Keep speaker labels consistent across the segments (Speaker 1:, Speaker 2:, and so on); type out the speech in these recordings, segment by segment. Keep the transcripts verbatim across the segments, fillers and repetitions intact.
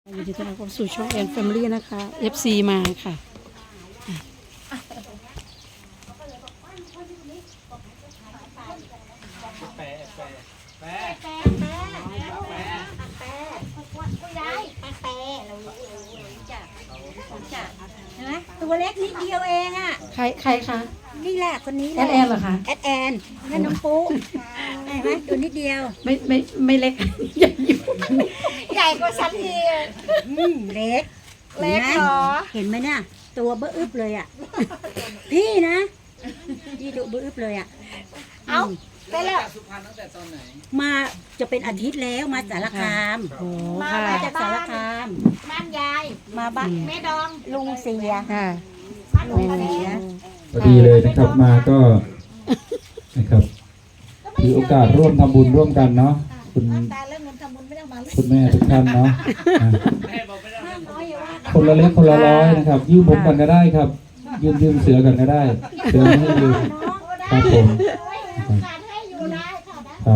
Speaker 1: ยินดีต้อนรับเข้าสู่ช่องแอนแฟมิลี่นะคะ เอฟ ซี มาค่ะ
Speaker 2: แปะแปะแปะ
Speaker 3: แปะแปะแปะแปะคุณยายแปะแปะเรารู้เรารู้เรารู้จักรู้จักเห็นไหมตัวเล็กนิดเดียวเองอ่ะ
Speaker 1: ใครใครคะ
Speaker 3: นี่แหละคนนี้แห
Speaker 1: แอ
Speaker 3: ละ
Speaker 1: ดแอนเหรอคะ
Speaker 3: แอดแอนนั่นน้องปุ๊เห็นไหมตัวนิดเดียว
Speaker 1: ไม่ไม่ไม่เล็ก ใหญ่อยู่
Speaker 3: ใหญ่กว่าฉันอีกอืมเล็กเล็กเหรอเห็นไหมเนี่ยตัวเบื้ออึบเลยอ่ะพี่นะพี่ตัวเบื้ออึบเลยอ่ะเอ้าไปแล้ว
Speaker 2: จากสุพรรณตั้งแต่ตอนไหน
Speaker 3: มาจะเป็นอาทิตย์แล้วมาสารคาม
Speaker 1: โอ้
Speaker 3: มา
Speaker 1: ค่ะ
Speaker 3: มาจากสารคาม
Speaker 4: บ้านยาย
Speaker 3: มาบ้าน
Speaker 4: แม่ดอง
Speaker 3: ลุงเสีย
Speaker 1: ค่ะ
Speaker 4: บ้าน
Speaker 3: ลุ
Speaker 4: ลุ
Speaker 3: ง
Speaker 4: ง
Speaker 3: เสีย
Speaker 5: พอดีเลยนะครับมาก็นะครับถือโอกาสร่วมทำบุญร่วมกันเนาะคุณ
Speaker 4: ตายแล้วเงินทำบุญไม่ต้องมาเลย
Speaker 5: คุณแม่ทุกท่านเนาะอ่ะ
Speaker 2: แม่บอกไม่ได้
Speaker 4: น้อยอยู่ว่า
Speaker 5: คนละเล็กคนละร้อยนะครับ ยืมผมกันก็ได้ครับ ยืมยืมเสือกันก็ได้เสือไม่ให้ยืมครับผม
Speaker 4: การให้อยู่ได้ค่ะนะครับ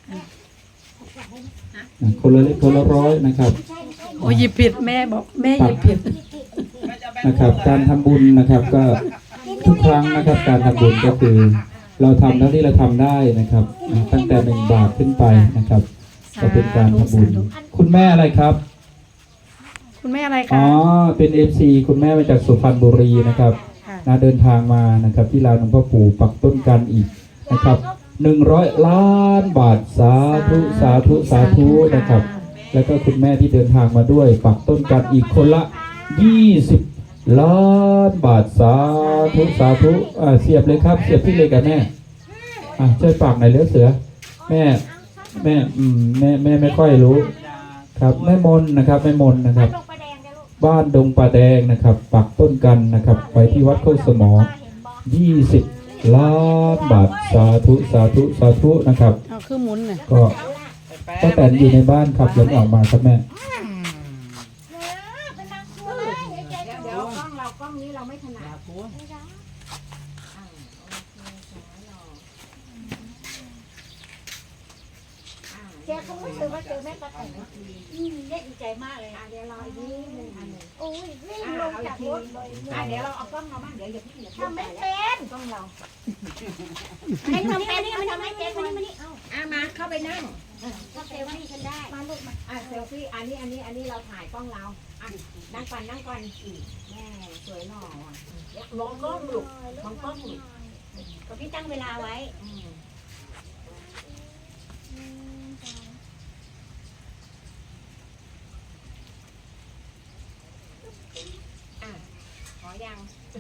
Speaker 5: อ่ะคนละเล็กคนละร้อยนะครับ
Speaker 1: โอ้หยิบผิดแม่บอกแม่หยิบผิด
Speaker 5: นะครับ การทำบุญนะครับก็ทุกครั้งนะครับ การทำบุญก็คือ เราทำเท่าที่เราทำได้นะครับอ่ะตั้งแต่หนึ่งบาทขึ้นไปนะครับก็เป็นการทำบุญคุณแม่อะไรครับ
Speaker 1: คุณแม่อะไร
Speaker 5: อ๋
Speaker 1: คะ
Speaker 5: อ เป็น เอฟ ซี คุณแม่มาจากสุพรรณบุรีนะครับ
Speaker 1: ค่ะ
Speaker 5: นะเดินทางมานะครับที่ลานหลวงพ่อปู่ปักต้นกันอีกนะครับหนึ่งร้อยล้านบาทสาธุสาธุสาธุนะครับ แล้วก็คุณแม่ที่เดินทางมาด้วยปักต้นกันอีกคนละยี่สิบล้านบาทสาธุสาธุอ่าเสียบเลยครับเสียบที่เลยกับแม่อ่ะช่วยฝากหน่อยเลือเสือแม่แม่อืมแม่แม่ไม่ค่อยรู้ครับแม่มนนะครับแม่มนนะครับ
Speaker 4: ลงไปแดงกันลูก
Speaker 5: บ้านดงป่าแดงนะครับ ปักต้นกันนะครับไปที่วัดโคกสมอยี่สิบล้านบาทสาธุสาธุสาธุนะครับ
Speaker 1: เอาคือหมุนน่ะ
Speaker 5: ก็ป้าแตนอยู่ในบ้านครับยังออกมาครับแม่
Speaker 4: เป็นนางครูเลยเดี๋ยวเดี๋ยวกล้องเรากล้องนี้เราไม่ถนัดไม่ได้แกคงไม่เคยว่าเจอแม่ปลาไก่อืมเนี่ยดีใจมากเลยอ่ะเดี๋ยวรออีกนิดนึงอันหนึ่งโอ้ยวิ่งลงจากรถเลยอ่ะเดี๋ยวเราเอากล้องเราบ้างเดี๋ยวอย่าเพิ่งอย่าเพิ่งทำไม่เป็นกล้องเราให้ทำเป็นนี่มันทำไม่เป็นมานี่มานี่เอาอ่ะมาเข้าไปนั่งก็เซลฟี่ฉันได้มาลูกมาอ่ะเซลฟี่อันนี้อันนี้อันนี้เราถ่ายกล้องเราอ่ะนั่งก่อนนั่งก่อนอีกแม่สวยหล่ออ่ะลงกล้องลูกมองกล้องลูก
Speaker 3: ก็พี่ตั้งเวลาไว้
Speaker 4: อืมอ่ะขอยัง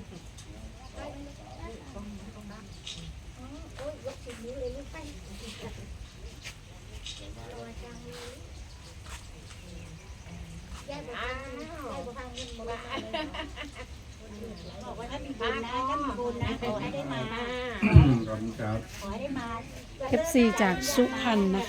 Speaker 4: โอ้ยยกชิ้นนี้เลยลูกไปรอจังเลยแย่บุพังแย่บุพังบุพัง
Speaker 3: บอกว่าถ้ามีบุญนะถ้ามีบุญนะขอให้ได้มา
Speaker 5: ขอบคุณครับ
Speaker 3: ขอให้ได้มา
Speaker 1: เอฟ ซี จากสุพรรณนะคะ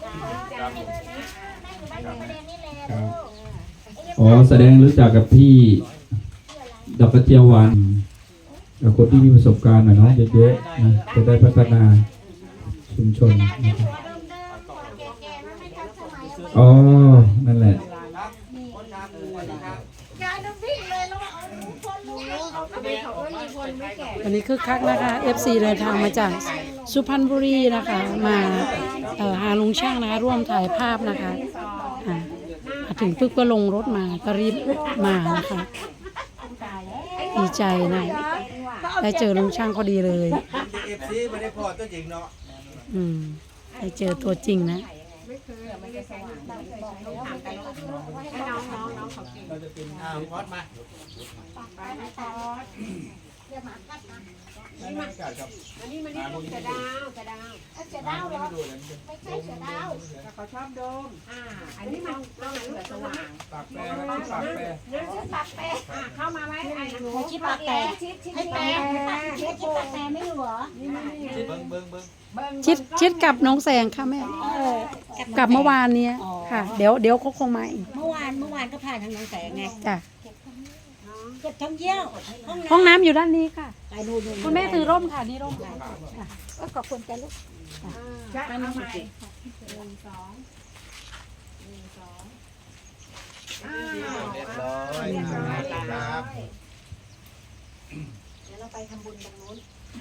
Speaker 5: อ๋อแสดงรู้จักกับพี่ดอกกระเจียวหวานกับคนที่มีประสบการณ์หน่อยเนาะเยอะๆนะจะได้พัฒนาชุมชนนะครับอ๋อนั่นแหละ
Speaker 4: ยายน้ำวิ่งเลยแล้วเอาคนรู้ทำไมเขาก็มีคนไม่แก่
Speaker 1: วันนี้คึกคักนะคะ เอฟ ซี เดินทางมาจากสุพรรณบุรีนะคะ มาเอ่อหาลุงช่างนะคะ ร่วมถ่ายภาพนะคะอ่ามาถึงปึ๊บก็ลงรถมาก็รีบมานะคะ ดีใจนะได้เจอลุงช่างพอดีเลย
Speaker 2: เอฟซีไม่ได้พอตัวจริงเนาะ
Speaker 1: อืมได้เจอตัวจริงนะ
Speaker 2: เราจะเป็นอ้าวพอดมาไม่ไม่กัดกับ
Speaker 4: อันนี้มันนี่ลูกเสือดาวเสือดาวเสือดาวเหรอไม่ใช่เสือดาวเขาชอบโดมอ่าอันนี้มันเราเสือสว่าง
Speaker 2: ปากแปรปากแปร
Speaker 4: เรื่องชื่อปากแปรอ่าเข้ามาไว้ไอ้หนู
Speaker 3: ชิดปากแตก
Speaker 4: ชิดชิด
Speaker 3: ให้แปลชิดปากแตกไม่รู้เหรอ
Speaker 2: เบิ้งเบิ้งเบิ้ง
Speaker 1: ชิดชิดกับน้องแสงค่ะแม่กลับเมื่อวานเนี้ยค่ะ เดี๋ยวเดี๋ยวเขาคงมาอีก
Speaker 3: เมื่อวานเมื่อวานก็ผ่านทางน้องแสงไง
Speaker 1: จ้ะ
Speaker 3: เก็บท่องเที่ยวห้อง
Speaker 1: ห้องน้ำอยู่ด้านนี้ค่ะ
Speaker 3: ไปดูดู
Speaker 1: คุณแม่ถือร่มค่ะนี่ร่มค่ะ
Speaker 3: ก็ขอบคุณจ้ะลูก
Speaker 4: เอาใหม่หนึ่งสองหนึ่งสอง
Speaker 2: เรียบร้อยครับ
Speaker 4: เดี๋ยวเราไปทำบุญตรงนู้น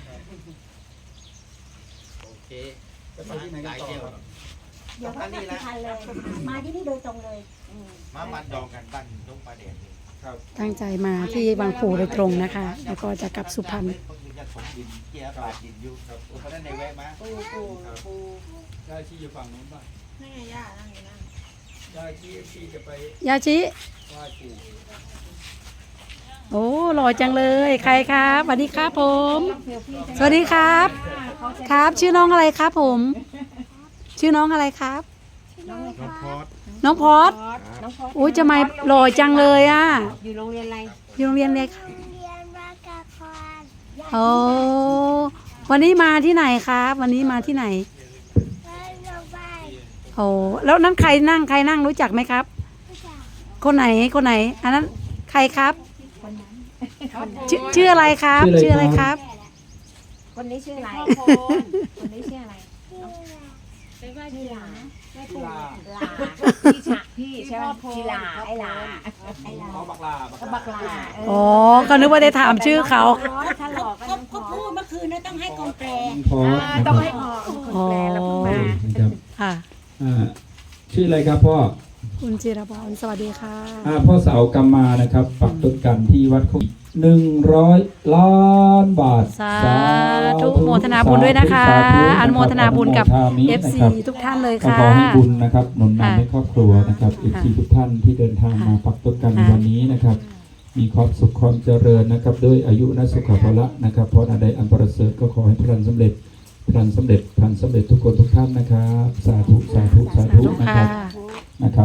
Speaker 2: โอเคจะไปที่ไหนกันต่อ
Speaker 4: เดี๋ยวก็กลับสุพรรณเลย มาที่นี่โดยตรงเลย
Speaker 2: มามัดดองกันบ้านตรงประเด็นครับ
Speaker 1: ตั้งใจมาที่บางปูโดยตรงนะคะ แล้วก็จะกลับสุพรรณ
Speaker 2: จะถมดินเกี่ยปาดดินอยู่ครับเพราะนั้นในแวะมา
Speaker 4: ปูปูปู
Speaker 2: ได้ที่อยู่ฝั่งนู้นป่ะ
Speaker 4: นั่นไงย่านั่งอยู่นั่น
Speaker 2: ได้ที่ที่จะไป
Speaker 1: ยาชิ
Speaker 2: ไหว้ปู่
Speaker 1: โอ้หล่อจังเลย ใครครับสวัสดีครับผม สวัสดีครับ ครับ ชื่อน้องอะไรครับผม ชื่อน้องอะไรครับ
Speaker 2: น้องพอด
Speaker 1: น้องพอด
Speaker 4: น้องพอด
Speaker 1: อุ้ยจะมาหล่อจังเลยอ่ะ
Speaker 4: อยู่โรงเรียนอะไร
Speaker 1: อยู่โรงเรียนเลยค่ะ
Speaker 4: เรียนวากาคอน
Speaker 1: โอ้วันนี้มาที่ไหนครับ วันนี้มาที่ไหน
Speaker 4: ไปโรงพยาบาล
Speaker 1: โอ้แล้วนั่นใครนั่งใครนั่งรู้จักไหมครับ คนไหนคนไหน อันนั้นใครครับชื่อชื่ออะไรครับ ชื่ออะไรครับ
Speaker 4: คนนี้ชื่ออะไร คนนี้ชื่ออะไรเป็นว่าชื่อหลาไม่ปูหลาพี่ฉะพี่ใช่ไหมพี่หลาไอ้หลาไอ้หลา
Speaker 2: เขาบักลาบักลา
Speaker 4: บักหลาเออ
Speaker 1: อ๋อก็นึกว่าได้ถามชื่อเขา
Speaker 4: ถ้าหลอกก็
Speaker 3: ก็พูดเมื่อคืนนะต้องให้กองแปล
Speaker 5: พอนะ
Speaker 4: ต้อง
Speaker 5: ค
Speaker 4: ให้
Speaker 5: รับ
Speaker 4: พอคนแปลแล้วเพิ่งมา
Speaker 5: นะครับ
Speaker 1: ค่ะ
Speaker 5: อ่าชื่ออะไรครับพ่อ
Speaker 1: คุณจิรพรสวัสดีค่ะ
Speaker 5: อ่าพ่อเสากำมานะครับ ปักต้นกันที่วัดโคกหนึ่งร้อยล้านบาท
Speaker 1: สาธุโมทนาบุญด้วยนะคะ
Speaker 5: สาธุ
Speaker 1: อนุโมทนาบุญกับ
Speaker 5: อนุโมทนามิ
Speaker 1: เอ
Speaker 5: นะ
Speaker 1: ฟ ซี
Speaker 5: ครับ
Speaker 1: ทุกท่านเลย
Speaker 5: ก็
Speaker 1: ค่ะ
Speaker 5: ขอให้บุญนะครับหนุน
Speaker 1: ค่ะ
Speaker 5: นำให้ครอบครัวนะครับอีก
Speaker 1: ค่ะ
Speaker 5: ที่ทุกท่านที่เดินทางมา
Speaker 1: ค่ะ
Speaker 5: ปักต้นกันใน
Speaker 1: ค่ะ
Speaker 5: วันนี้นะครับ มีความสุขความเจริญนะครับด้วยอายุนสุขภาละนะครับเพราะอันใดอันประเสริฐก็ขอให้พลันสำเร็จพลันสำเร็จพลันสำเร็จทุกคนทุกท่านนะครับ สาธุสาธุสาธุ
Speaker 1: ทุก
Speaker 5: นะค
Speaker 1: ค่ะ
Speaker 5: รับนะครับ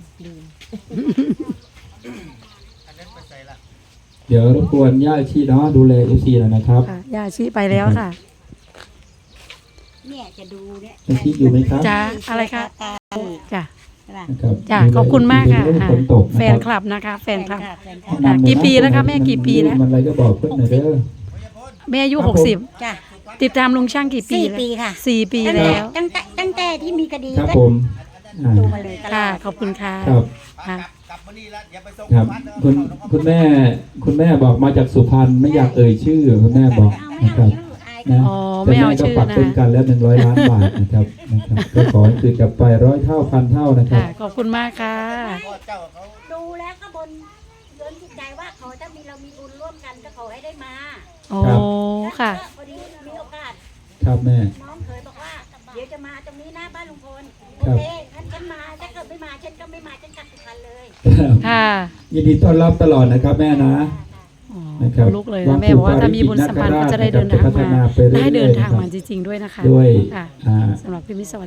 Speaker 2: อันนั้นไปใส่ละ
Speaker 5: เดี๋ยวรบกวนย่าชีเนาะดูแลเอฟซีหน่อยนะครับ
Speaker 1: ค่ะยาชิไปแล้วค่ะ
Speaker 3: เนี่ยจะดูเนี่ย
Speaker 5: ย่าชีอยู่ไหมครับ
Speaker 1: จ้าอะไรคะจ้ะ
Speaker 5: นะครับ
Speaker 1: จ้ะขอบคุณมากค่ะ
Speaker 5: ดูแล
Speaker 1: อ่า
Speaker 5: ฝนตก
Speaker 1: แฟ
Speaker 5: นะ
Speaker 1: น
Speaker 5: ค
Speaker 1: ครับ ลับนะคะ แฟนคลับ
Speaker 3: แฟนค
Speaker 5: แนะ
Speaker 3: ลับ
Speaker 5: นำหน่อย
Speaker 1: กี่ปีแล้วคะแม่กี่ปีแล้ว
Speaker 5: มันอะไรก็บอกเพื่อนหน่อยเด้อ
Speaker 1: แม่อายุ
Speaker 5: ครับ
Speaker 1: หกสิบ
Speaker 3: จ้ะ
Speaker 1: ติดตามลุงช่างกี่ปี
Speaker 3: สี่
Speaker 1: แล้ว
Speaker 3: ปีค่ะ
Speaker 1: สี่ปี
Speaker 3: ตั้งแต่
Speaker 1: แล้ว
Speaker 3: ตั้งแต่ตั้งแต่ที่มีคดี
Speaker 5: ครับ
Speaker 3: ก็
Speaker 5: ผมอ่า
Speaker 3: ดูมาเลยตลอ
Speaker 1: ค่ะ
Speaker 3: ด
Speaker 1: ขอบคุณค่ะ
Speaker 5: ครับ
Speaker 1: ค่ะ
Speaker 2: กลับมานี่แล้วอย่าไปส่ง
Speaker 5: ครับ
Speaker 2: วัดเด้อ
Speaker 5: คุณคุณแม่คุณแม่บอกมาจากสุพรรณไม่อยากเอ่ยชื่อคุณแม่บอก
Speaker 3: เอาไม่
Speaker 5: นะค
Speaker 3: เอา
Speaker 5: รับ
Speaker 3: ชื่ออาย
Speaker 5: นะ
Speaker 1: อ๋อไม่เอาชื่อ
Speaker 5: แต่แม่ก็ปัก
Speaker 1: นะ
Speaker 5: ต้นกันแล้วหนึ่งร้อยล้านบาทนะครับนะครับก็ขอให้คืนกลับไปร้อยเท่าพันเท่านะครับ
Speaker 1: ค่ะ ขอบคุณมากค่ะ
Speaker 2: พ่อเจ้าเขา
Speaker 3: ดูแล้วก็บนเดินจิตใจว่าเขาถ้ามีเรามีบุญร่วมกันก็ขอให้ได้มา
Speaker 1: โอ้ค่ะ
Speaker 3: แล้วก็พอดีมีโอกาส
Speaker 5: ครับแม่
Speaker 3: น้องเคยบอกว่า เดี๋ยวจะมาตรงนี้หน้าบ้านลุงพล
Speaker 5: ครั
Speaker 3: โอบ เคฉันฉันมาถ้าเกิดไม่มาฉันก็ไม่มาฉันกลับสุพรรณเลย
Speaker 1: ค่ะ
Speaker 5: ยินดีต้อนรับตลอดนะครับแม่นะ
Speaker 1: อ๋อ
Speaker 5: นะครับ
Speaker 1: ลุกเลยนะแม่บอกว่าถ้ามีบุญสัมพันธ์ก็จะได้เดินทางมา ได้เดินทางมาจริงๆด้วยนะคะ
Speaker 5: ด้วย
Speaker 1: ค่ะ
Speaker 5: อ่า
Speaker 1: สำหรับพี่มิตรสวัสดี